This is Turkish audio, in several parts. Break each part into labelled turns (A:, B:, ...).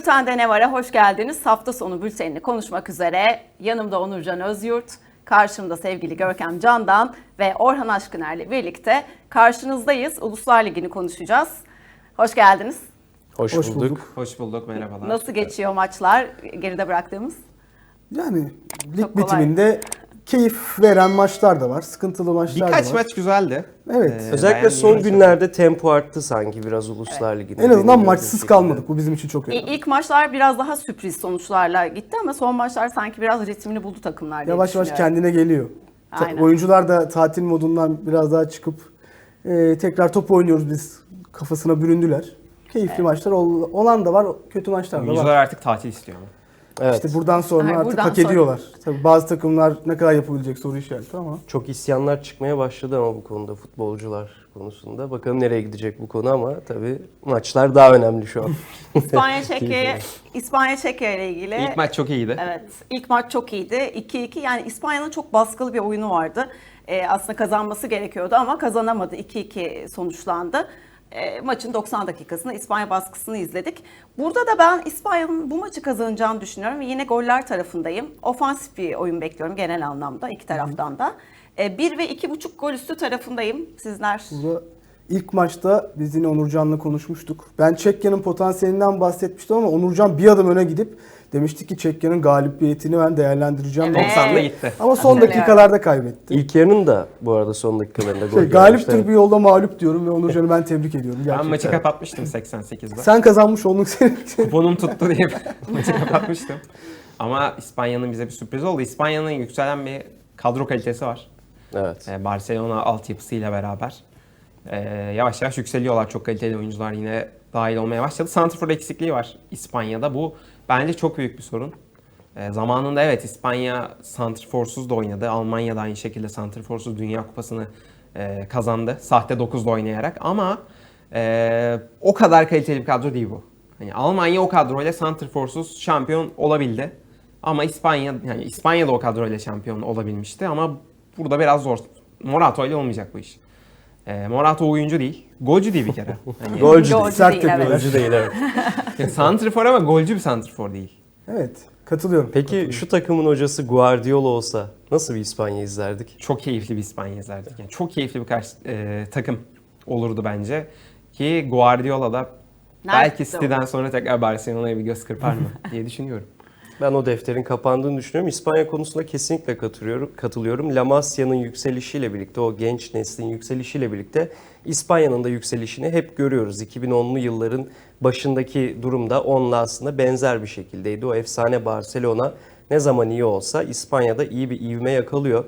A: Bülten'de ne var'a hoş geldiniz. Hafta sonu bültenini konuşmak üzere yanımda Onurcan Özyurt, karşımda sevgili Görkem Candan ve Orhan Aşkıner'le birlikte karşınızdayız. Uluslar Ligi'ni konuşacağız. Hoş geldiniz.
B: Hoş bulduk.
C: Hoş bulduk, merhabalar.
A: Nasıl geçiyor maçlar geride bıraktığımız?
B: Yani lig bitiminde keyif veren maçlar da var, sıkıntılı maçlar da var.
C: Birkaç maç güzeldi.
B: Evet.
D: Özellikle son günlerde tempo arttı sanki biraz Uluslar Ligi'nde.
B: En azından
D: Benim
B: maçsız
D: gördüğüm
B: kalmadık. Bu bizim için çok önemli.
A: İlk maçlar biraz daha sürpriz sonuçlarla gitti ama son maçlar sanki biraz ritmini buldu takımlar diye
B: Yavaş yavaş
A: düşünüyorum.
B: kendine geliyor.
A: Aynen.
B: Oyuncular da tatil modundan biraz daha çıkıp tekrar top oynuyoruz biz kafasına büründüler. Keyifli maçlar olan da var, kötü maçlar da
C: Oyuncular
B: var.
C: artık tatil istiyor ama.
D: Evet.
B: İşte buradan sonra
A: Ay,
B: artık
A: buradan
B: hak
A: sonra.
B: ediyorlar. Tabii bazı takımlar ne kadar yapabilecek soru işareti ama.
D: Çok isyanlar çıkmaya başladı ama bu konuda futbolcular konusunda. Bakalım nereye gidecek bu konu ama tabii maçlar daha önemli şu an.
A: İspanya-Çekya ile ilgili.
C: İlk maç çok iyiydi.
A: Evet, ilk maç çok iyiydi. 2-2, yani İspanya'nın çok baskılı bir oyunu vardı. Aslında kazanması gerekiyordu ama kazanamadı. 2-2 sonuçlandı. Maçın 90 dakikasında İspanya baskısını izledik. Burada da ben İspanya'nın bu maçı kazanacağını düşünüyorum ve yine goller tarafındayım. Ofansif bir oyun bekliyorum genel anlamda iki taraftan da. 1 ve 2,5 gol üstü tarafındayım. Sizler?
B: Burada ilk maçta biz yine Onurcan'la konuşmuştuk. Ben Çekya'nın potansiyelinden bahsetmiştim ama Onurcan bir adım öne gidip demişti ki Çekya'nın galibiyetini ben değerlendireceğim.
A: Evet.
C: 90'da gitti.
B: Ama son dakikalarda kaybetti.
D: İlk yarının da bu arada son dakikalarında gol
B: Galiptir bir yolda mağlup diyorum ve Onurcan'ı ben tebrik ediyorum.
C: Ben
B: Gerçekten.
C: maçı kapatmıştım 88'de.
B: Sen kazanmış oldun senin.
C: Kuponum tuttu diye maçı kapatmıştım. Ama İspanya'nın bize bir sürpriz oldu. İspanya'nın yükselen bir kadro kalitesi var.
D: Evet.
C: Barcelona altyapısıyla beraber. Yavaş yavaş yükseliyorlar. Çok kaliteli oyuncular yine dahil olmaya başladı. Santrfor eksikliği var İspanya'da. Bu bence çok büyük bir sorun. Zamanında evet İspanya santrforsuz da oynadı. Almanya da aynı şekilde santrforsuz Dünya Kupası'nı kazandı. Sahte 9'da oynayarak ama o kadar kaliteli bir kadro değil bu. Hani Almanya o kadroyla santrforsuz şampiyon olabildi. Ama İspanya da o kadroyla şampiyon olabilmişti ama burada biraz zor. Morata ile olmayacak bu iş. Morata oyuncu değil. Golcü değil bir kere. Hani,
D: Golcü
A: Golcü
D: değil.
B: Sert
A: değil, evet.
B: tepkiler.
D: Golcü değil evet.
C: santrfor ama golcü bir santrfor değil.
B: Evet, katılıyorum.
D: Peki şu takımın hocası Guardiola olsa nasıl bir İspanya izlerdik?
C: Çok keyifli bir İspanya izlerdik. Yani çok keyifli bir takım olurdu bence. Ki Guardiola da belki City'den sonra tekrar Barcelona'ya bir göz kırpar mı diye düşünüyorum.
D: Ben o defterin kapandığını düşünüyorum. İspanya konusunda kesinlikle katılıyorum. La Masia'nın yükselişiyle birlikte, o genç neslin yükselişiyle birlikte İspanya'nın da yükselişini hep görüyoruz. 2010'lu yılların başındaki durumda onunla aslında benzer bir şekildeydi. O efsane Barcelona ne zaman iyi olsa İspanya'da iyi bir ivme yakalıyor.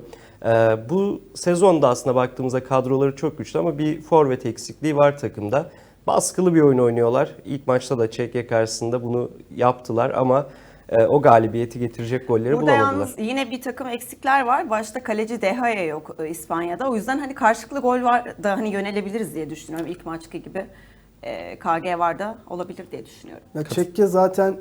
D: Bu sezonda aslında baktığımızda kadroları çok güçlü ama bir forvet eksikliği var takımda. Baskılı bir oyun oynuyorlar. İlk maçta da Çekya karşısında bunu yaptılar ama o galibiyeti getirecek golleri
A: Burada
D: bulamadılar.
A: yalnız yine bir takım eksikler var. Başta kaleci De Gea yok İspanya'da. O yüzden hani karşılıklı gol var da hani yönelebiliriz diye düşünüyorum. İlk maçki gibi KG var da olabilir diye düşünüyorum.
B: Ya Çekya zaten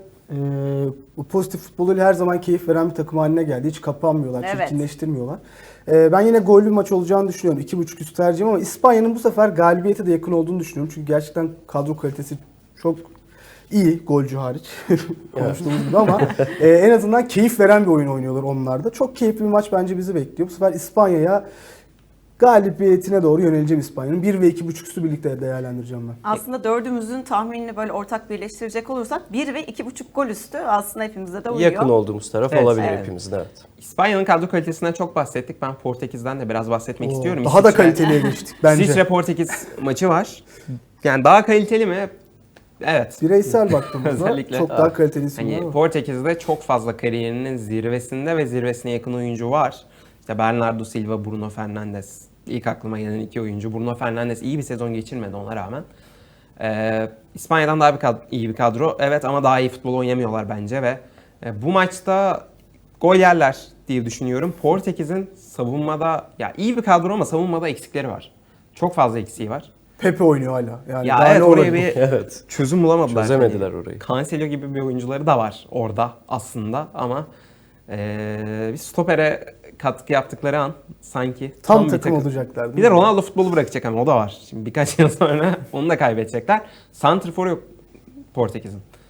B: bu pozitif futboluyla her zaman keyif veren bir takım haline geldi. Hiç kapanmıyorlar,
A: Evet.
B: çirkinleştirmiyorlar. Ben yine gollü bir maç olacağını düşünüyorum. 2,5 üst tercihim ama İspanya'nın bu sefer galibiyete de yakın olduğunu düşünüyorum. Çünkü gerçekten kadro kalitesi çok iyi, golcü hariç konuştuğumuz gibi ama en azından keyif veren bir oyun oynuyorlar onlar da. Çok keyifli bir maç bence bizi bekliyor. Bu sefer İspanya'ya galibiyetine doğru yöneleceğim İspanya'nın. 1 ve 2,5 üstü birlikte değerlendireceğim ben.
A: Aslında dördümüzün tahminini böyle ortak birleştirecek olursak 1 ve 2,5 gol üstü aslında hepimize de uyuyor.
D: Yakın olduğumuz taraf
C: Evet,
D: olabilir
A: evet.
D: hepimizin, evet.
C: İspanya'nın kadro kalitesinden çok bahsettik. Ben Portekiz'den de biraz bahsetmek istiyorum.
B: Daha da
C: İsviçre-
B: kaliteliye geçtik bence.
C: İsviçre-Portekiz maçı var. Yani daha kaliteli mi? Evet.
B: Bireysel baktığımızda
C: Özellikle.
B: çok daha kaliteli isimler
C: Hani
B: var.
C: Portekiz'de çok fazla kariyerinin zirvesinde ve zirvesine yakın oyuncu var. İşte Bernardo Silva, Bruno Fernandes. İlk aklıma gelen iki oyuncu. Bruno Fernandes iyi bir sezon geçirmedi ona rağmen. İspanya'dan daha iyi bir kadro. Evet ama daha iyi futbol oynamıyorlar bence ve bu maçta gol yerler diye düşünüyorum. Portekiz'in savunmada ya iyi bir kadro ama savunmada eksikleri var. Çok fazla eksiği var.
B: Pepe oynuyor hala. Yani
C: Ya
B: daha
C: evet
B: ne
C: oraya
B: olabilir?
C: bir
D: Evet.
C: çözüm bulamadılar.
D: Çözemediler
C: Hani
D: orayı.
C: Cancelo gibi bir oyuncuları da var orada aslında ama bir stopere katkı yaptıkları an sanki
B: Tam
C: bir
B: takım olacaklar. değil
C: Bir de
B: mi?
C: Ronaldo futbolu bırakacak ama o da var. Şimdi birkaç yıl sonra onu da kaybedecekler. Santrfor yok Portekiz'in.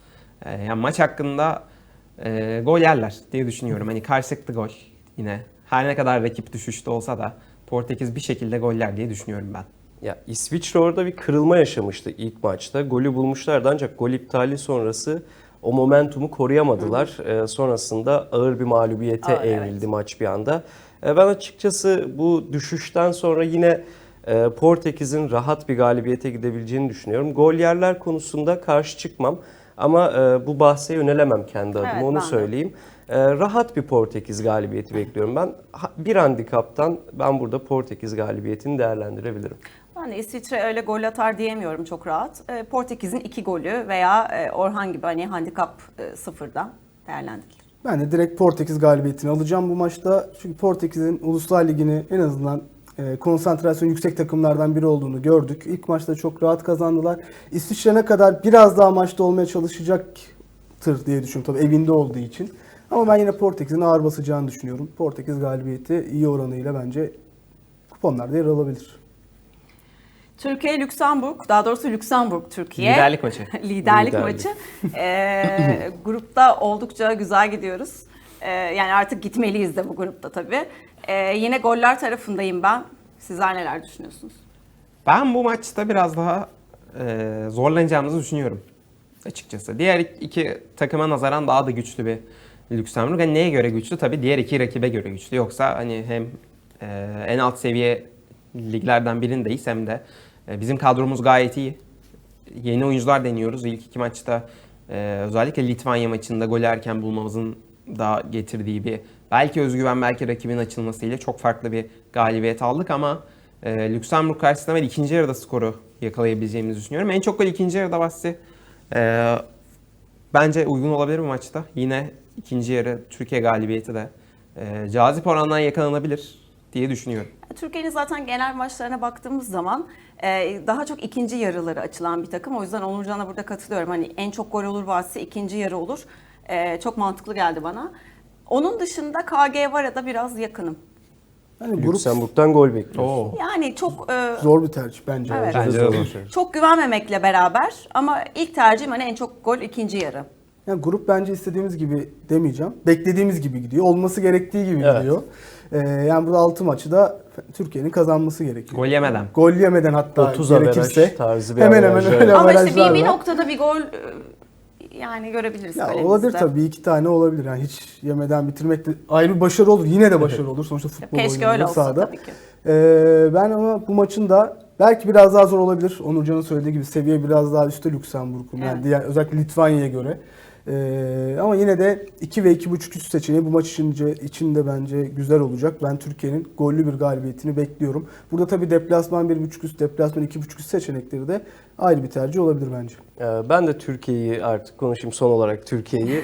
C: Yani maç hakkında gol yerler diye düşünüyorum. Hani karşılıklı gol yine. Her ne kadar rakip düşüşte olsa da Portekiz bir şekilde goller diye düşünüyorum ben.
D: Ya İsviçre orada bir kırılma yaşamıştı ilk maçta. Golü bulmuşlardı ancak gol iptali sonrası o momentumu koruyamadılar. Sonrasında ağır bir mağlubiyete evrildi maç bir anda. Ben açıkçası bu düşüşten sonra yine Portekiz'in rahat bir galibiyete gidebileceğini düşünüyorum. Gol yerler konusunda karşı çıkmam ama bu bahse yönelemem kendi adıma,
A: Evet,
D: onu
A: ben de.
D: söyleyeyim. Rahat bir Portekiz galibiyeti bekliyorum ben. Bir handikaptan ben burada Portekiz galibiyetini değerlendirebilirim.
A: Ben de İsviçre öyle gol atar diyemiyorum çok rahat. Portekiz'in 2 golü veya Orhan gibi hani handikap sıfırdan değerlendirilir.
B: Ben de direkt Portekiz galibiyetini alacağım bu maçta. Çünkü Portekiz'in Uluslar Ligi'ni en azından konsantrasyon yüksek takımlardan biri olduğunu gördük. İlk maçta çok rahat kazandılar. İsviçre ne kadar biraz daha maçta olmaya çalışacaktır diye düşünüyorum tabii evinde olduğu için. Ama ben yine Portekiz'in ağır basacağını düşünüyorum. Portekiz galibiyeti iyi oranıyla bence kuponlarda yer alabilir.
A: Türkiye Lüksemburg, daha doğrusu Lüksemburg Türkiye.
C: Liderlik maçı.
A: Liderlik
D: Liderlik.
A: maçı. Grupta oldukça güzel gidiyoruz. Yani artık gitmeliyiz de bu grupta tabii. Yine goller tarafındayım ben. Sizler neler düşünüyorsunuz?
C: Ben bu maçta biraz daha zorlanacağımızı düşünüyorum açıkçası. Diğer iki takıma nazaran daha da güçlü bir Lüksemburg. Hani neye göre güçlü? Tabii diğer iki rakibe göre güçlü. Yoksa hani hem en alt seviye liglerden birindeyiz hem de bizim kadromuz gayet iyi. Yeni oyuncular deniyoruz. İlk iki maçta özellikle Litvanya maçında gol erken bulmamızın da getirdiği bir belki özgüven, belki rakibin açılmasıyla çok farklı bir galibiyet aldık ama Lüksemburg karşısında ben ikinci yarıda skoru yakalayabileceğimizi düşünüyorum. En çok gol ikinci yarıda bahsi. Bence uygun olabilir bu maçta. Yine ikinci yarı Türkiye galibiyeti de cazip orandan yakalanabilir diye düşünüyorum.
A: Türkiye'nin zaten genel maçlarına baktığımız zaman daha çok ikinci yarıları açılan bir takım. O yüzden Onurcan'a burada katılıyorum. Hani en çok gol olur bahsi ikinci yarı olur. Çok mantıklı geldi bana. Onun dışında KG Var'a da biraz yakınım.
B: Yani grup
D: Lüksemburg'dan gol bekliyoruz.
A: Yani çok
B: zor bir tercih bence.
A: Evet.
C: Bence de zor.
A: çok güvenmemekle beraber ama ilk tercihim hani en çok gol ikinci yarı.
B: Yani grup bence istediğimiz gibi demeyeceğim. Beklediğimiz gibi gidiyor. Olması gerektiği gibi
D: Evet.
B: gidiyor. Yani burada 6 maçı da Türkiye'nin kazanması gerekiyor.
C: Gol yemeden.
B: Gol yemeden hatta
D: 30
B: gerekirse
D: averaj tarzı bir
B: hemen hemen
D: averajla.
B: öyle
A: Ama işte
B: averajlar
A: bir
B: var.
A: noktada bir gol yani görebiliriz
B: Ya
A: kalemizde.
B: olabilir tabii, bir iki tane olabilir. Yani hiç yemeden bitirmek de ayrı bir başarı olur. Yine de başarı olur. Sonuçta futbol
A: Keşke öyle
B: oynanıyor
A: olsa
B: sahada.
A: tabii ki.
B: Ben ama bu maçın da belki biraz daha zor olabilir. Onurcan'ın söylediği gibi seviye biraz daha üstte Lüksemburg'un. Yani
A: Evet.
B: diğer, özellikle Litvanya'ya göre. Ama yine de 2 ve 2.5 üst seçeneği bu maç içinde bence güzel olacak. Ben Türkiye'nin gollü bir galibiyetini bekliyorum. Burada tabii deplasman 1.5 üst, deplasman 2.5 üst seçenekleri de ayrı bir tercih olabilir bence.
D: Ben de Türkiye'yi artık konuşayım son olarak Türkiye'yi.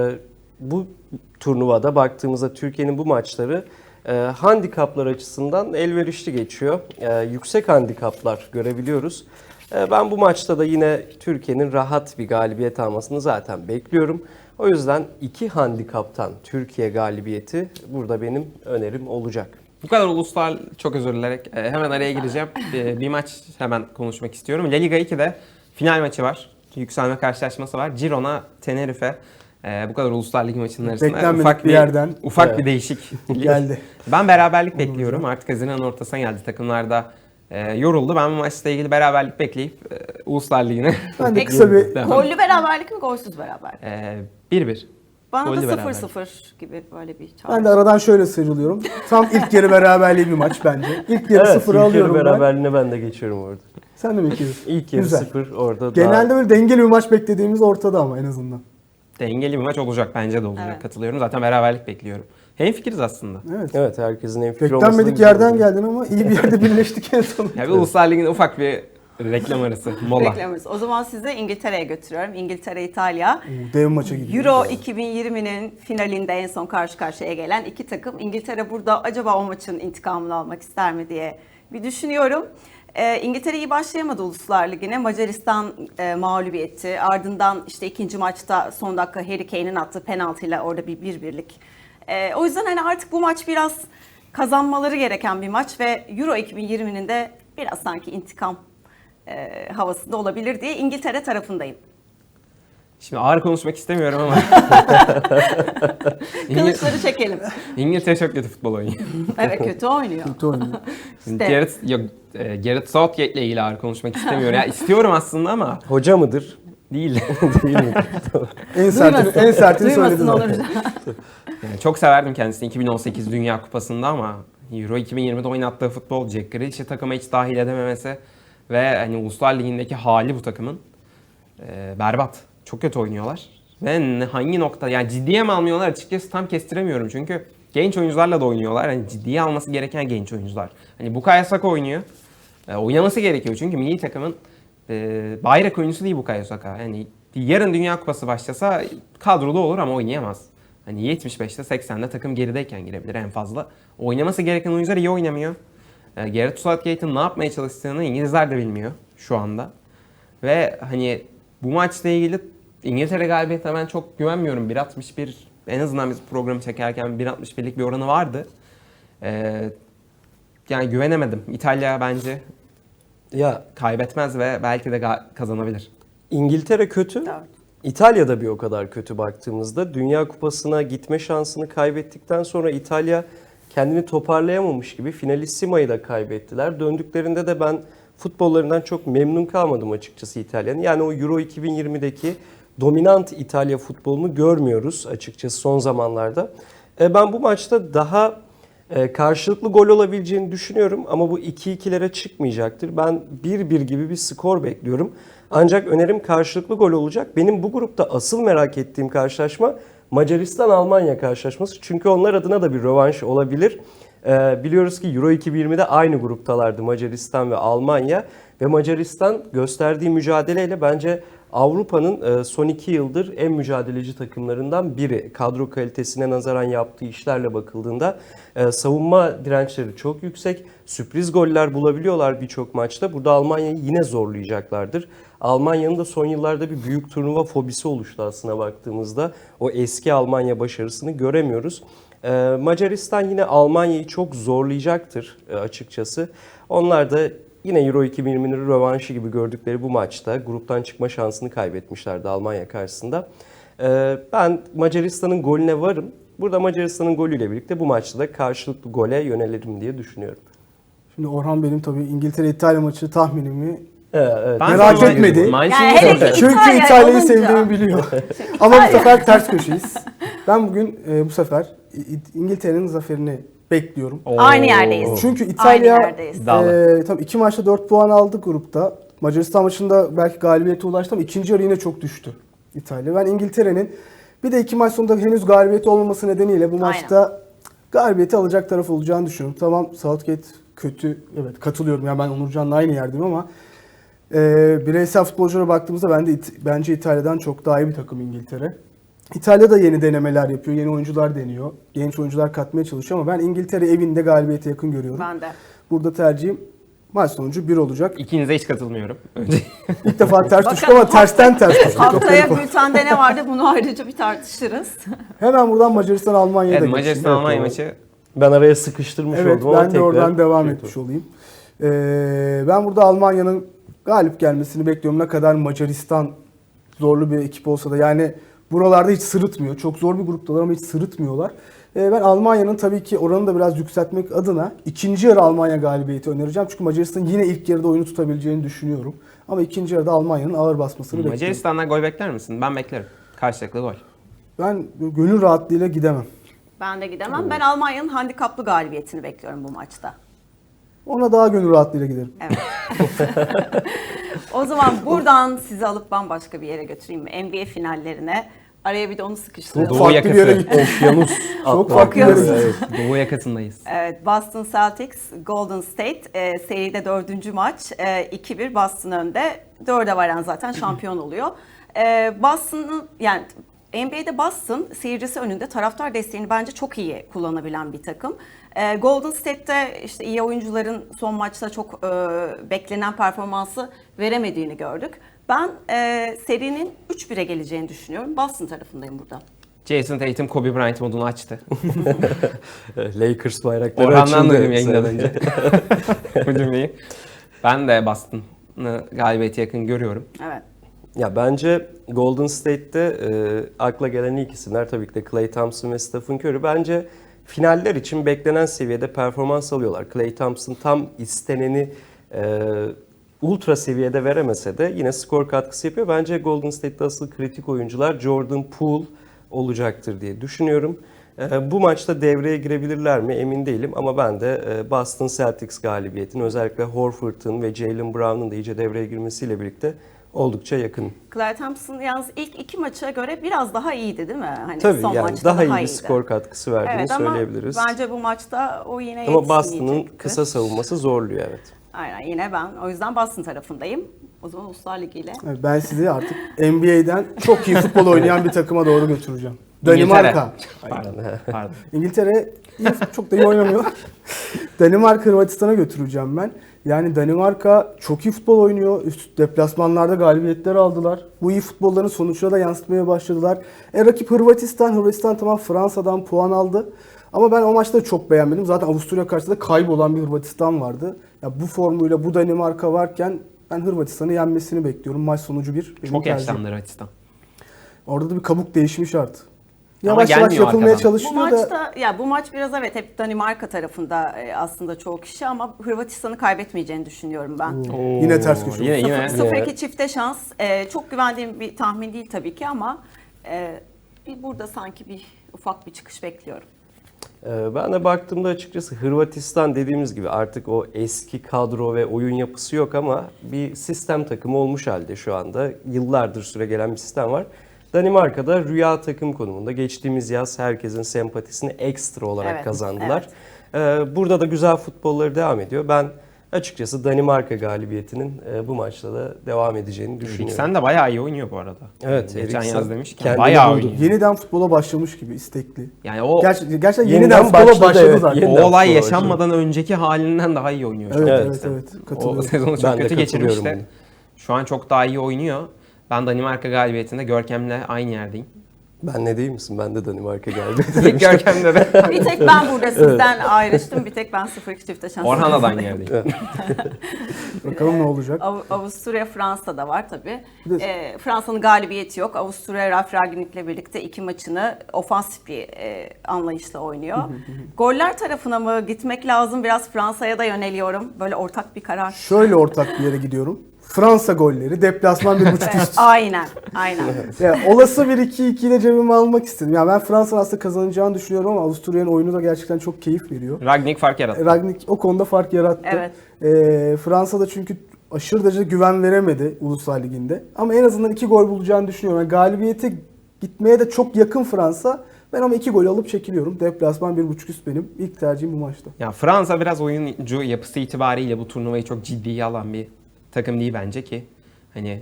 D: Bu turnuvada baktığımızda Türkiye'nin bu maçları handikaplar açısından elverişli geçiyor. Yüksek handikaplar görebiliyoruz. Ben bu maçta da yine Türkiye'nin rahat bir galibiyet almasını zaten bekliyorum. O yüzden 2 handikaptan Türkiye galibiyeti burada benim önerim olacak.
C: Bu kadar uluslar, çok özür dilerim. Hemen araya gireceğim. Bir maç hemen konuşmak istiyorum. La Liga 2'de final maçı var. Yükselme karşılaşması var. Girona, Tenerife. Bu kadar Uluslar Ligi maçının arasında
B: Beklenmedik bir yerden.
C: ufak bir değişik
B: Geldi.
C: Ben beraberlik bekliyorum. Artık Haziran ortasına geldi. Takımlar da yoruldu. Ben bu maçla ilgili beraberlik bekleyip Uluslar Ligi'ne
B: Ben de
A: Peki,
B: kısa bir
C: devam.
A: Gollü beraberlik mi golsüz beraberlik?
C: 1-1.
A: Bana
C: Gollü
A: da
C: beraberlik.
A: 0-0 gibi böyle bir çağrı.
B: ben de aradan şöyle sıyrılıyorum. Tam ilk yarı beraberliği bir maç bence. İlk yarı
D: Evet,
B: 0'ı
D: ilk yarı
B: alıyorum ben.
D: beraberliğine ben de geçiyorum orada.
B: Sen de mi bekliyorsun?
D: İlk yarı
B: Güzel.
D: 0 orada
B: Genelde böyle dengeli bir maç beklediğimiz ortada ama en azından.
C: Dengeli bir maç olacak. Bence de olacak.
A: Evet.
C: Katılıyorum. Zaten beraberlik bekliyorum. Hemfikiriz aslında.
B: Evet.
D: Evet, herkesin en fikir olması da
B: Beklenmedik
D: güzel
B: yerden
D: oldu.
B: geldin ama iyi bir yerde birleştik en sonunda.
C: Ya bir Uluslar Ligi'nin ufak bir reklam arası. Mola.
A: Beklemiyoruz. O zaman sizi İngiltere'ye götürüyorum. İngiltere, İtalya.
B: Dev maça gidiyor.
A: Euro 2020'nin finalinde en son karşı karşıya gelen iki takım. İngiltere burada acaba o maçın intikamını almak ister mi diye bir düşünüyorum. İngiltere iyi başlayamadı Uluslar Ligi'ne. Macaristan mağlubiyeti. Ardından işte ikinci maçta son dakika Harry Kane'in attığı penaltıyla orada bir 1-1'lik. O yüzden hani artık bu maç biraz kazanmaları gereken bir maç ve Euro 2020'nin de biraz sanki intikam havasında olabilir diye İngiltere tarafındayım.
C: Şimdi ağır konuşmak istemiyorum ama
A: Kılıçları çekelim.
C: İngiltere çok kötü futbol oynuyor.
A: Evet, kötü oynuyor.
B: Kötü oynuyor.
C: Şimdi
A: İşte.
C: Gareth Southgate ile ilgili ağır konuşmak istemiyorum. Ya istiyorum aslında ama
D: Hoca mıdır?
C: değil.
D: Değil mi?
B: En sertini
A: Duymasın
B: söyledin.
A: Onur.
C: Yani çok severdim kendisini 2018 Dünya Kupası'nda ama Euro 2020'de oynattığı futbol, Jack Grealish'i takıma hiç dahil edememesi ve hani Uluslar Ligi'ndeki hali bu takımın berbat. Çok kötü oynuyorlar. Ve hangi nokta, yani ciddiye mi almıyorlar açıkçası tam kestiremiyorum. Çünkü genç oyuncularla da oynuyorlar. Hani ciddiye alması gereken genç oyuncular. Hani Bukayo Saka oynuyor. Oynaması gerekiyor çünkü milli takımın bayrak oyuncusu değil Bukayo Saka. Yani yarın Dünya Kupası başlasa kadroda olur ama oynayamaz. Hani 75'te 80'de takım gerideyken girebilir en fazla. Oynaması gereken oyuncular iyi oynamıyor. Gareth Southgate'in ne yapmaya çalıştığını İngilizler de bilmiyor şu anda. Ve hani bu maçla ilgili İngiltere galibiyetine ben çok güvenmiyorum. 1.61 en azından biz programı çekerken 1.61'lik bir oranı vardı. Yani güvenemedim. İtalya bence
D: Ya
C: kaybetmez ve belki de kazanabilir.
D: İngiltere kötü.
A: Evet.
D: İtalya da bir o kadar kötü baktığımızda. Dünya Kupası'na gitme şansını kaybettikten sonra İtalya kendini toparlayamamış gibi Finalissima'yı da kaybettiler. Döndüklerinde de ben futbollarından çok memnun kalmadım açıkçası İtalya'nın. Yani o Euro 2020'deki dominant İtalya futbolunu görmüyoruz açıkçası son zamanlarda. Ben bu maçta daha karşılıklı gol olabileceğini düşünüyorum ama bu 2-2'lere çıkmayacaktır. Ben 1-1 gibi bir skor bekliyorum. Ancak önerim karşılıklı gol olacak. Benim bu grupta asıl merak ettiğim karşılaşma Macaristan-Almanya karşılaşması. Çünkü onlar adına da bir rövanş olabilir. Biliyoruz ki Euro 2020'de aynı gruptalardı Macaristan ve Almanya. Ve Macaristan gösterdiği mücadeleyle bence Avrupa'nın son 2 yıldır en mücadeleci takımlarından biri. Kadro kalitesine nazaran yaptığı işlerle bakıldığında savunma dirençleri çok yüksek. Sürpriz goller bulabiliyorlar birçok maçta. Burada Almanya'yı yine zorlayacaklardır. Almanya'nın da son yıllarda bir büyük turnuva fobisi oluştu aslına baktığımızda. O eski Almanya başarısını göremiyoruz. Macaristan yine Almanya'yı çok zorlayacaktır açıkçası. Onlar da yine Euro 2020'nin rövanşı gibi gördükleri bu maçta gruptan çıkma şansını kaybetmişlerdi Almanya karşısında. Ben Macaristan'ın golüne varım. Burada Macaristan'ın golüyle birlikte bu maçta da karşılıklı gole yönelirim diye düşünüyorum.
B: Şimdi Orhan benim tabii İngiltere-İtalya maçı tahminimi
D: Evet.
C: Ben
B: Merak
C: sana-
B: etmedi.
C: Manşeti
A: Yani hele
C: soracağım.
A: ki-
B: çünkü
A: İtalya
B: İtalya'yı
A: olunca.
B: sevdiğimi biliyor. Ama bu sefer ters köşeyiz. Ben bugün bu sefer İngiltere'nin zaferini bekliyorum.
A: Aynı yerdeyiz.
B: Çünkü İtalya
A: Aynı yerdeyiz.
C: İddialı.
B: tabii 2 maçta 4 puan aldı grupta. Macaristan maçında belki galibiyete ulaştı ama ikinci yarı yine çok düştü İtalya. Ben İngiltere'nin bir de 2 maç sonunda henüz galibiyeti olmaması nedeniyle bu maçta galibiyeti alacak taraf olacağını düşünüyorum. Tamam Southgate kötü, evet katılıyorum. Yani ben Onurcan'la aynı yerdeyim ama bireysel futbolculara baktığımızda bence İtalya'dan çok daha iyi bir takım İngiltere. İtalya da yeni denemeler yapıyor, yeni oyuncular deniyor. Genç oyuncular katmaya çalışıyor ama ben İngiltere evinde galibiyete yakın görüyorum.
A: Ben de.
B: Burada tercihim maç sonucu 1 olacak.
C: İkinize hiç katılmıyorum. Önce
B: İlk defa ters düştük
A: Bakalım
B: ama tersten ters düştük. Çok
A: Haftaya
B: garip oldu.
A: bültende ne vardı bunu ayrıca bir tartışırız.
B: Hemen buradan Macaristan-Almanya'ya da
C: evet,
B: geçeyim.
C: Macaristan-Almanya maçı
D: Ben araya sıkıştırmış
B: Evet
D: oldum ama
B: ben de oradan
D: tekrar
B: devam
D: şey
B: etmiş olayım. Ben burada Almanya'nın galip gelmesini bekliyorum. Ne kadar Macaristan zorlu bir ekip olsa da yani buralarda hiç sırıtmıyor. Çok zor bir gruptalar ama hiç sırıtmıyorlar. Ben Almanya'nın tabii ki oranı da biraz yükseltmek adına ikinci yarı Almanya galibiyeti önereceğim. Çünkü Macaristan'ın yine ilk yarıda oyunu tutabileceğini düşünüyorum. Ama ikinci yarıda Almanya'nın ağır basmasını bekliyorum.
C: Macaristan'dan gol bekler misin? Ben beklerim. Karşılıklı gol.
B: Ben gönül rahatlığıyla gidemem.
A: Ben de gidemem. Ben Almanya'nın handikaplı galibiyetini bekliyorum bu maçta.
B: Ona daha gönül rahatlığıyla giderim.
A: Evet. O zaman buradan sizi alıp bambaşka bir yere götüreyim mi? NBA finallerine. Araya bir de onu sıkıştıralım.
C: Doğu
B: Farklı
C: yakası.
B: bir yere gittim.
D: Okyanus
B: Çok
D: atlar.
B: farklı bir yere
A: Okyanus.
B: gittim.
C: Doğu yakasındayız.
A: Evet, Boston Celtics, Golden State seride 4. maç. 2-1 Boston önde. 4'e varan zaten şampiyon oluyor. Boston'ın yani NBA'de Boston seyircisi önünde taraftar desteğini bence çok iyi kullanabilen bir takım. Golden State'te işte iyi oyuncuların son maçta çok beklenen performansı veremediğini gördük. Ben serinin 3-1'e geleceğini düşünüyorum. Boston tarafındayım burada.
C: Jason Tatum Kobe Bryant modunu açtı.
D: Lakers bayrakları
C: Orhan'dan
D: açıldı.
C: duydum yayından önce. Bu cümleyi. Ben de Boston'ı galibiyete yakın görüyorum.
A: Evet.
D: Ya bence Golden State'te akla gelen ilk isimler tabii ki de Klay Thompson ve Stephen Curry. Bence finaller için beklenen seviyede performans alıyorlar. Klay Thompson tam isteneni ultra seviyede veremese de yine skor katkısı yapıyor. Bence Golden State'te asıl kritik oyuncular Jordan Poole olacaktır diye düşünüyorum. Bu maçta devreye girebilirler mi emin değilim ama ben de Boston Celtics galibiyetini özellikle Horford'un ve Jaylen Brown'un da iyice devreye girmesiyle birlikte oldukça yakın.
A: Klay Thompson yalnız ilk 2 maça göre biraz daha iyiydi değil mi? Hani
D: Tabii
A: son
D: yani
A: maçta
D: daha iyi bir
A: iyiydi.
D: skor katkısı verdiğini
A: Evet ama
D: söyleyebiliriz.
A: bence bu maçta o yine
D: Ama Boston'ın
A: yetişmeyecektir.
D: kısa savunması zorluyor evet.
A: Aynen, yine ben o yüzden Boston tarafındayım. O zaman Uluslar Ligi ile.
B: Evet, ben sizi artık NBA'den çok iyi futbol oynayan bir takıma doğru götüreceğim.
C: İngiltere.
B: Danimarka.
C: Pardon. Pardon.
B: İngiltere çok da iyi oynamıyor. Danimarka Hırvatistan'a götüreceğim ben. Yani Danimarka çok iyi futbol oynuyor. Üst deplasmanlarda galibiyetler aldılar. Bu iyi futbolların sonuçlara da yansıtmaya başladılar. Rakip Hırvatistan. Hırvatistan tamam Fransa'dan puan aldı. Ama ben o maçta çok beğenmedim. Zaten Avusturya karşısında kaybolan bir Hırvatistan vardı. Ya bu formuyla bu Danimarka varken ben Hırvatistan'ı yenmesini bekliyorum. Maç sonucu bir. Benim
C: Çok
B: tercihim.
C: yaşlandı Hırvatistan.
B: Orada da bir kabuk değişimi şart.
C: Ama
B: Yavaş yavaş
C: gelmiyor
B: yapılmaya
C: arkadan.
A: Bu
B: çalışılıyor da.
A: maçta ya bu maç biraz evet hep Danimarka tarafında aslında çoğu kişi ama Hırvatistan'ı kaybetmeyeceğini düşünüyorum ben.
B: Yine ters köşe.
C: Yine
A: 0-2 çifte şans. Çok güvendiğim bir tahmin değil tabii ki ama bir burada sanki bir ufak bir çıkış bekliyorum.
D: Ben de baktığımda açıkçası Hırvatistan dediğimiz gibi artık o eski kadro ve oyun yapısı yok ama bir sistem takımı olmuş halde şu anda. Yıllardır süre gelen bir sistem var. Danimarka'da rüya takım konumunda. Geçtiğimiz yaz herkesin sempatisini ekstra olarak
A: Evet,
D: kazandılar. Burada da güzel futbolları devam ediyor. Ben açıkçası Danimarka galibiyetinin bu maçta da devam edeceğini düşünüyorum.
C: Eriksen de bayağı iyi oynuyor bu arada.
D: Evet,
C: Geçen
D: Eriksen
C: yaz demişken
D: kendini
C: bayağı
D: buldu.
C: oynuyor.
B: Yeniden futbola başlamış gibi istekli.
C: Yani o
B: Gerçekten yeniden
D: Yeniden
B: futbola
D: başladı,
B: başladı
D: evet.
B: zaten.
D: Yeniden
C: o olay
D: futbola
C: yaşanmadan önceki halinden daha iyi oynuyor. şu
B: Evet,
C: an
B: evet,
C: Eriksen.
B: evet.
C: O
B: Katılıyorum.
C: sezonu çok
D: Ben de
C: kötü
D: katılıyorum
C: geçirmişti.
D: buna.
C: Şu an çok daha iyi oynuyor. Ben Danimarka galibiyetinde Görkem'le aynı yerdeyim.
D: Ben ne değil misin? Ben de Danimarka galibiyeti.
C: Görkem'le de.
A: Bir tek ben burada sizden ayrıştım. Bir tek ben 0-2 çifte şans.
C: Orhan'la da aynı yerdeyim.
B: Bakalım ne olacak.
A: Avusturya Fransa'da var tabii.
B: Bir de-
A: Fransa'nın galibiyeti yok. Avusturya Ralf Rangnick'le birlikte 2 maçını ofansif bir anlayışla oynuyor. Goller tarafına mı gitmek lazım? Biraz Fransa'ya da yöneliyorum. Böyle ortak bir karar.
B: Şöyle ortak bir yere gidiyorum. Fransa golleri, deplasman 1.5
A: Evet,
B: üst.
A: aynen, aynen.
B: Yani olası bir 2-2 ile cebime almak istedim. Yani ben Fransa'nın aslında kazanacağını düşünüyorum ama Avusturya'nın oyunu da gerçekten çok keyif veriyor.
C: Ragnik fark yarattı.
B: Rangnick o konuda fark yarattı.
A: Evet.
B: Fransa'da çünkü aşırı derecede güven veremedi Uluslar Ligi'nde. Ama en azından 2 gol bulacağını düşünüyorum. Yani galibiyete gitmeye de çok yakın Fransa. Ben ama 2 gol alıp çekiliyorum. Deplasman 1.5 üst benim. İlk tercihim bu maçta.
C: Ya Fransa biraz oyuncu yapısı itibariyle bu turnuvayı çok ciddiye alan bir takım değil bence ki. Hani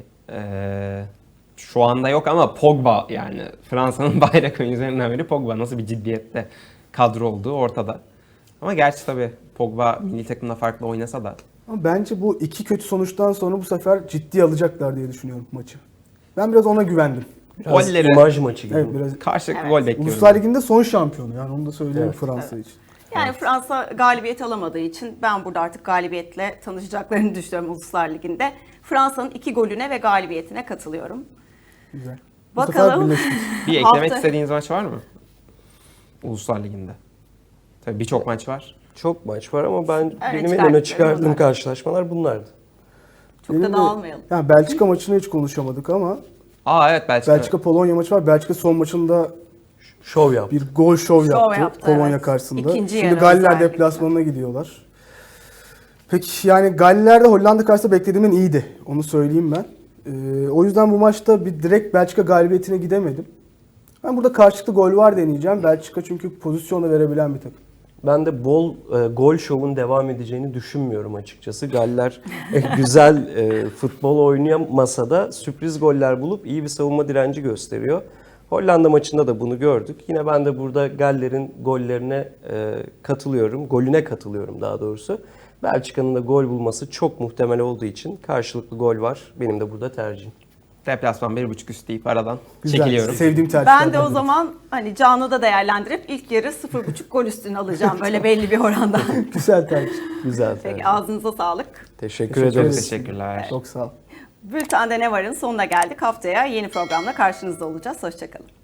C: şu anda yok ama Pogba yani Fransa'nın bayrak oyuncularından biri Pogba. Nasıl bir ciddiyette kadro olduğu ortada. Ama gerçi tabii Pogba milli takımda farklı oynasa da.
B: Ama bence bu 2 kötü sonuçtan sonra bu sefer ciddiye alacaklar diye düşünüyorum maçı. Ben biraz ona güvendim.
D: Biraz
C: Golleri-
D: imaj maçı gibi.
B: Evet, biraz
C: Karşılıklı
A: Evet.
C: gol bekliyorum.
B: Uluslar Ligi'nde son şampiyonu yani onu da söyleyeyim
D: Evet.
B: Fransa için.
A: Yani Fransa galibiyet alamadığı için ben burada artık galibiyetle tanışacaklarını düşünüyorum Uluslar Ligi'nde. Fransa'nın 2 golüne ve galibiyetine katılıyorum.
B: Güzel. Bu
A: Bakalım.
B: sefer birleştik.
C: Bir eklemek
A: Hafta-
C: istediğiniz maç var mı? Uluslar Ligi'nde. Tabii birçok maç var.
D: Çok maç var ama ben benim en
A: çıkardıklarım
D: öne çıkardığım
A: bunlar.
D: karşılaşmalar bunlardı.
A: Çok
B: Benim
A: da
B: de-
A: dağılmayalım.
B: Yani Belçika maçını hiç konuşamadık ama
C: Aa evet Belçika.
B: Belçika-Polonya maçı var. Belçika son maçında
D: Şov yaptı.
B: bir gol şov yaptı,
A: yaptı,
B: Polonya
A: evet.
B: karşısında.
A: İkinci
B: Şimdi
A: yarı
B: Galler
A: özellikle.
B: deplasmanına gidiyorlar. Peki yani Galler'de Hollanda karşısında beklediğimin iyiydi. Onu söyleyeyim ben. O yüzden bu maçta bir direkt Belçika galibiyetine gidemedim. Ben burada karşılıklı gol var deneyeceğim. Belçika çünkü pozisyonda verebilen bir takım.
D: Ben de bol gol şovun devam edeceğini düşünmüyorum açıkçası. Galler güzel futbol oynayamasa da sürpriz goller bulup iyi bir savunma direnci gösteriyor. Hollanda maçında da bunu gördük. Yine ben de burada Galler'in gollerine katılıyorum. Golüne katılıyorum daha doğrusu. Belçika'nın da gol bulması çok muhtemel olduğu için karşılıklı gol var. Benim de burada tercihim.
C: Deplasman 1.5 üst deyip aradan
B: Güzel.
C: çekiliyorum.
B: Sevdiğim tercihlerden
A: Ben de o
B: biri.
A: zaman hani Can'ı da değerlendirip ilk yarı 0.5 gol üstüne alacağım böyle belli bir oranda.
B: Güzel tercih.
D: Güzel
A: Peki
D: tercih.
A: ağzınıza sağlık.
D: Teşekkür
B: Teşekkür
D: ederiz.
B: ederiz.
C: Teşekkürler.
B: Çok sağ ol.
A: Bülten'de ne varın sonuna geldik. Haftaya yeni programla karşınızda olacağız. Hoşçakalın.